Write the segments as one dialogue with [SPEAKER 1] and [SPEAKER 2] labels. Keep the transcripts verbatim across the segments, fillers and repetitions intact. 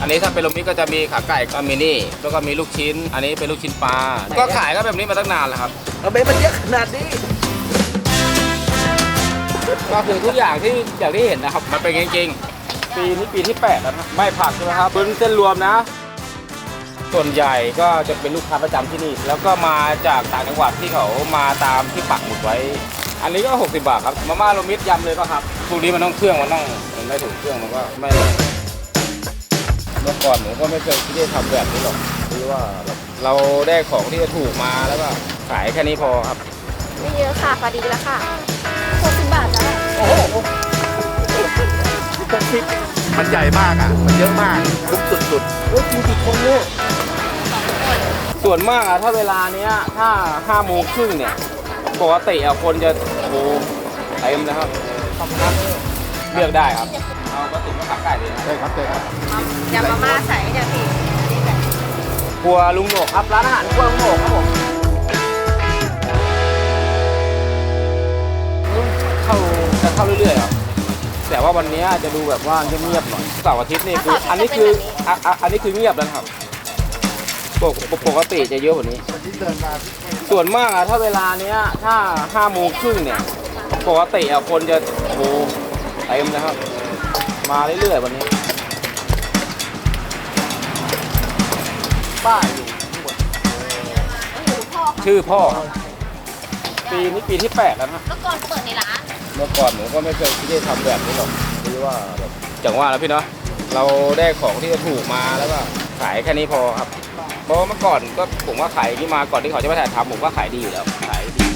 [SPEAKER 1] นนี้ถ้าเป็นโรมิก็จะมีขาไก่ก็มินี่แล้วก็มีลูกชิ้นอันนี้เป็นลูกชิ้นปลาก็ขายก็แบบนี้มาตั้งนานแล้วครับ
[SPEAKER 2] ทำไมมันเยอะขนาดนี้
[SPEAKER 1] ก็คือทุกอย่างที่อย่างที่เห็นนะครับมันเป็นจริงๆปีนี้ปีที่แปดแล้วนะไม่ผักใช่ไหมครับเป็นเส้นรวมนะส่วนใหญ่ก็จะเป็นลูกค้าประจำที่นี่แล้วก็มาจากต่างจังหวัดที่เขามาตามที่ปักหมุดไว้อันนี้ก็หกสิบบาทครับมาม่าโรมิตยำเลยป่ะครับพวกนี้มันต้องเครื่องมันต้องมันไม่ถึงเครื่องมันก็ไม่เมื่อก่อนผมก็ไม่เคยคิดจะทำแบบนี้หรอกคือว่าเราได้ของที่จะถูกมาแล้วก็ขายแค่นี้พอครับ
[SPEAKER 3] ไม่เยอะค่ะพอดีแล้วค่ะหกสิบบาทจ้ะ
[SPEAKER 2] โอ้โหหกสิบมันใหญ่มากอ่ะมันเยอะมากคุ้มสุดๆโอ้ยจริงกี่คนเนี่ย
[SPEAKER 1] ส่วนมากอะถ้าเวลาเนี้ยถ้าห้าโมงครึ่งเนี่ยปกติอะคนจะโอ้โหเต็มนะครับเลือกได้ครับเอากระติกมะขามไก่เลยนะ
[SPEAKER 2] ใช่ครับใช่ครับ
[SPEAKER 3] ยำมาม่าใส่เดี๋ยวพี่
[SPEAKER 1] ครัวลุงโหนกครับร้านอาหารครัวลุงโหนกครับผมเข้าจะเข้าเรื่อยๆครับแต่ว่าวันนี้จะดูแบบว่าเงียบๆหน่อยเสาร์อาทิตย์นี่คืออันนี้คืออันนี้คือเงียบแล้วครับปกติจะเยอะกว่านี้ส่วนมากอะถ้าเวลาเนี้ยถ้าห้าโมงครึ่งเนี่ยปกติอะคนจะโอ้โหเต็มนะครับมาเรื่อยๆวันนี้ป้ายอยู่ทั้งหมดชื่อพ่อปีนี้ปีที่แปดแล้วนะ
[SPEAKER 3] เมื่อก่อนเปิดในร้าน
[SPEAKER 1] เมื่อก่อนผมก็ไม่เคยคิดจะทำแบบนี้หรอกคือว่าแบบจังว่าแล้วพี่เนาะเราได้ของที่จะถูกมาแล้วก็ขายแค่นี้พอครับเพราะเมื่อก่อนก็ผมว่าขายที่มาก่อนที่เขาจะมาถ่ายทำผมก็ขายดีอยู่แล้วขายดี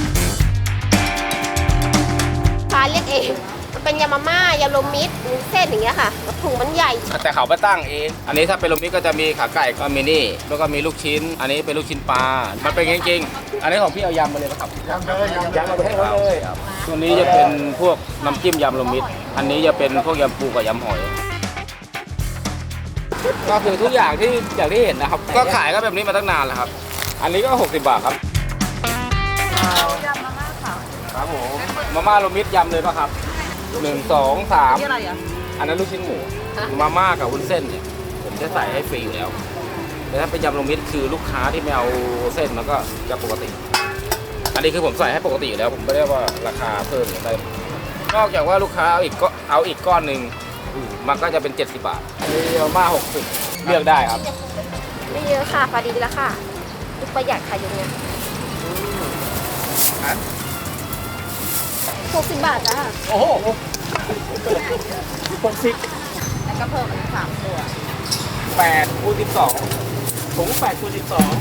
[SPEAKER 3] ฟ้าเรียกเองมันเป็นยำมาม่ายำโรมิตมีเส้นอย่างเงี้ยค่ะถุงมันใหญ่
[SPEAKER 1] แต่เขาไปตั้งเองอันนี้ถ้าเป็นโรมิตก็จะมีขาไก่ก็มินี่แล้วก็มีลูกชิ้นอันนี้เป็นลูกชิ้นปลามันเป็นจริงๆอันนี้ของพี่เอายำมาเลยนะครับ
[SPEAKER 2] ยำเลยยำ
[SPEAKER 1] มาให้เขาเลยตัวนี้จะเป็นพวกน้ำจิ้มยำโรมิตอันนี้จะเป็นพวกยำปูกับยำหอยก็คือทุกอย่างที่อย่างที่เห็นนะครับก็ขายก็แบบนี้มาตั้งนานแล้วครับอันนี้ก็หกสิบบาทครับ
[SPEAKER 3] ยำมาม่าค่ะ
[SPEAKER 1] ครับผมมาม่าโรมิตยำเลยป่ะครับหนึ่งสองสามอันนั้นลูกชิ้นหมูมาม่ากับวุ้นเส้นเนี่ยผมจะใส่ให้ฟรีอยู่แล้วแต่ถ้าเป็นยำโรมิตคือลูกค้าที่ไม่เอาเส้นมันก็จะปกติอันนี้คือผมใส่ให้ปกติอยู่แล้วผมไม่ได้ว่าราคาเพิ่มอะไรนอกจากว่าลูกค้าเอาอีกก็เอาอีกก้อนหนึ่งมันก็จะเป็นเจ็ดสิบบาทอันนี้มาม่าหกสิบเลือกได้ครับ
[SPEAKER 3] ไม่เยอะค่ะพอดีแล้วค่ะลูกประหยัดค่ะอย่างเงี้ยหกสิบบาทจ้ะ
[SPEAKER 2] โอ้โหหกสิบ
[SPEAKER 3] แล้วก็เพิ่มอีกสามตัว
[SPEAKER 1] แปดคูณสิบสองถุงแปดคูณสิบสอง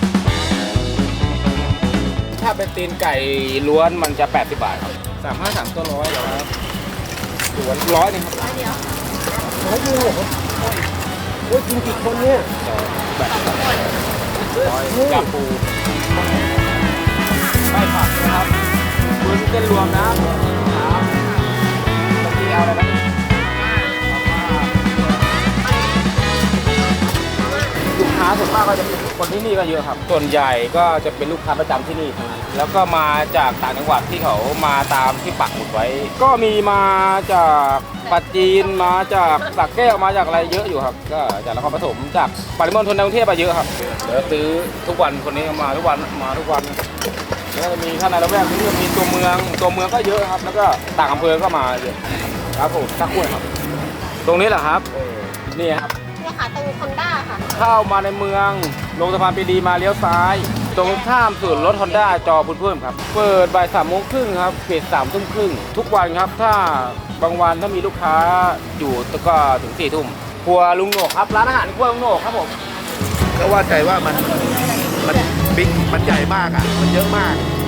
[SPEAKER 1] ถ้าเป็นตีนไก่ล้วนมันจะแปดสิบบาทครับสามห้าสามตัวร้อยเหรอครับล้วนร้อยนึงครับ
[SPEAKER 3] ร้อยเดียว
[SPEAKER 2] ร้อยเดียวเหรอโอ้ยกินกี่คนเนี่ย
[SPEAKER 1] แบบร้อยยำปูไม่ผักนะครับคุณเส้นรวมนะครับตะกี้เอาอะไรนะลูกค้าส่วนมากก็จะเป็นคนที่นี่ก็เยอะครับส่วนใหญ่ก็จะเป็นลูกค้าประจำที่นี่ทั้งนั้นแล้วก็มาจากต่างจังหวัดที่เขามาตามที่ปักหมุดไว้ก็มีมาจากปัจจีนมาจากสักแก้วมาจากอะไรเยอะอยู่ครับก็จากนครปฐมจากปริมณฑลกรุงเทพมาเยอะครับเดี๋ยวซื้อทุกวันคนนี้มาทุกวันมาทุกวันแล้วก็มีท่านในละแวกนี้มีตัวเมืองตัวเมืองก็เยอะครับแล้วก็ต่างอำเภอก็มาเยอะครับผมตะกุ้ยครับตรงนี้แหละครับนี่ครับ
[SPEAKER 3] เนี่ยค่ะตรงฮอนด้าค่ะ
[SPEAKER 1] เข้ามาในเมืองลงสะพานปรีดีมาเลี้ยวซ้ายตรงข้ามศูนย์รถฮอนด้าจอพุ่นเพิ่มครับเปิดบ่ายสามโมงครึ่งครับปิดสามทุ่มครึ่งทุกวันครับถ้าบางวันถ้ามีลูกค้าอยู่ก็ถึงสี่ทุ่มครัวลุงโหนกครับร้านอาหารครัวลุงโหนกครับผม
[SPEAKER 2] ก็ว่าใจว่ามันมันบิ๊กมันใหญ่มากอ่ะมันเยอะมาก